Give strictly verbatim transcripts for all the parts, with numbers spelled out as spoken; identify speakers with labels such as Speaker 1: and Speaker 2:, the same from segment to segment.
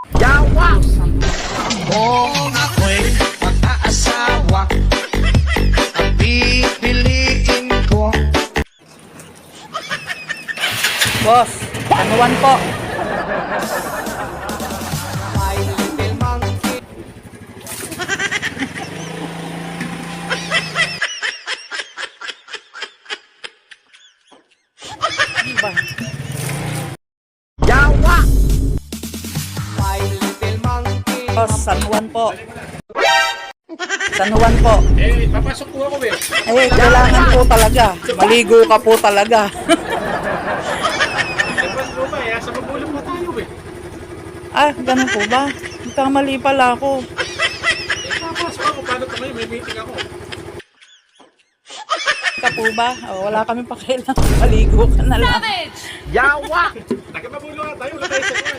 Speaker 1: Yawa! Kung ako'y mag-aasawa, ang pipiliin ko.
Speaker 2: Boss, anuwan po.
Speaker 1: My little monkey.
Speaker 2: Ano ba?
Speaker 1: Yawa! My little monkey.
Speaker 2: Boss, San Juan po. San Juan po.
Speaker 3: Eh, papasok po ako eh.
Speaker 2: Eh, kailangan po talaga. Maligo ka po talaga.
Speaker 3: Dapat po ba eh, sa magulang po tayo eh.
Speaker 2: Ah, ganun po ba? Kamali pala ako.
Speaker 3: Eh, papasok ako, paano ito ngayon? May meeting ako.
Speaker 2: Ka po ba? O, wala kami pakialam. Maligo ka na lang.
Speaker 1: Yawa!
Speaker 3: Taga-magulo nga tayo, wala tayo sa kuwan.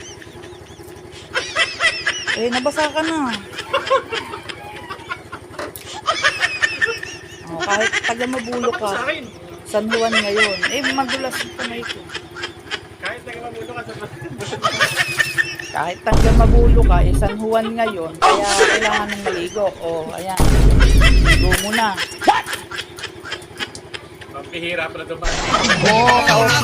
Speaker 2: Eh, nabasa ka na. O, kahit taga mabulo
Speaker 3: Tapos sa
Speaker 2: ka,
Speaker 3: akin.
Speaker 2: San Juan ngayon. Eh, madulas yung kamay ko.
Speaker 3: Kahit taga-magulo ka sa
Speaker 2: Kahit taga mabulo ka, eh, San Juan ngayon. Kaya kailangan ng maligo. O, ayan. Ligo mo na.
Speaker 3: Pampihira pa na dumaan.
Speaker 1: Kung